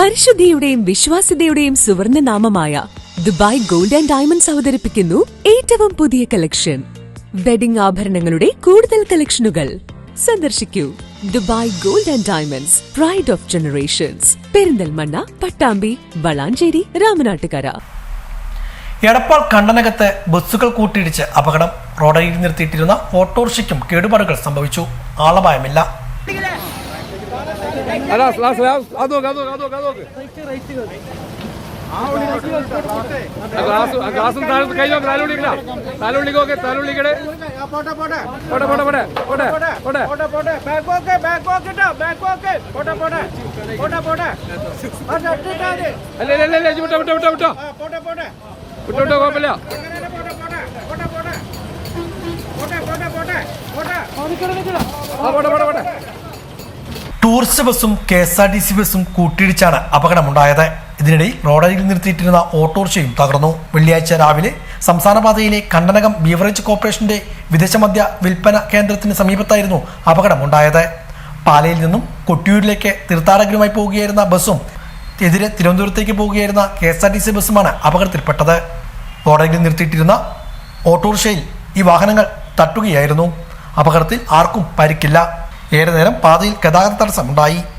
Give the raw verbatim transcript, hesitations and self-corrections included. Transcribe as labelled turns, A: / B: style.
A: പരിശുദ്ധിയുടെയും വിശ്വാസ്യതയുടെയും സുവർണ്ണ നാമമായ ദുബായ് ഗോൾഡ് ആൻഡ് ഡയമണ്ട്സ് അവതരിപ്പിക്കുന്നു ഏറ്റവും പുതിയ കളക്ഷൻ. വെഡിംഗ് ആഭരണങ്ങളുടെ കൂടുതൽ കളക്ഷനുകൾ സന്ദർശിക്കൂ. Dubai gold and diamonds, pride of generations. Perinthalmanna, Pattambi, Valanchery, Ramanattukara.
B: Edappal കണ്ടനകത്ത് ബസ്സുകൾ കൂട്ടിയിടിച്ച് അപകടം. റോഡരികിൽ നിർത്തിയിട്ടിരുന്ന ഓട്ടോറിക്ഷയ്ക്കും കേടുപാടുകൾ സംഭവിച്ചു. ആളപായമില്ല. ടൂറിസ്റ്റ് ബസ്സും K S R T C ബസ്സും കൂട്ടിയിടിച്ചാണ് അപകടമുണ്ടായത്. ഇതിനിടയിൽ റോഡരികിൽ നിർത്തിയിട്ടിരുന്ന ഓട്ടോറിക്ഷയും തകർന്നു. വെള്ളിയാഴ്ച രാവിലെ സംസ്ഥാനപാതയിലെ കണ്ടനകം ബീവറേജ് കോർപ്പറേഷന്റെ വിദേശമദ്യ വിൽപ്പന കേന്ദ്രത്തിന് സമീപത്തായിരുന്നു അപകടമുണ്ടായത്. പാലയിൽ നിന്നും കൊട്ടിയൂരിലേക്ക് തീർത്ഥാടകരുമായി പോവുകയായിരുന്ന ബസ്സും എതിരെ തിരുവനന്തപുരത്തേക്ക് പോവുകയായിരുന്ന K S R T C ബസ്സുമാണ് അപകടത്തിൽപ്പെട്ടത്. റോഡരികിൽ നിർത്തിയിട്ടിരുന്ന ഓട്ടോറിക്ഷയിൽ ഈ വാഹനങ്ങൾ തട്ടുകയായിരുന്നു. അപകടത്തിൽ ആർക്കും പരിക്കില്ല. ഏറെ നേരം പാതയിൽ ഗതാഗത തടസ്സമുണ്ടായി.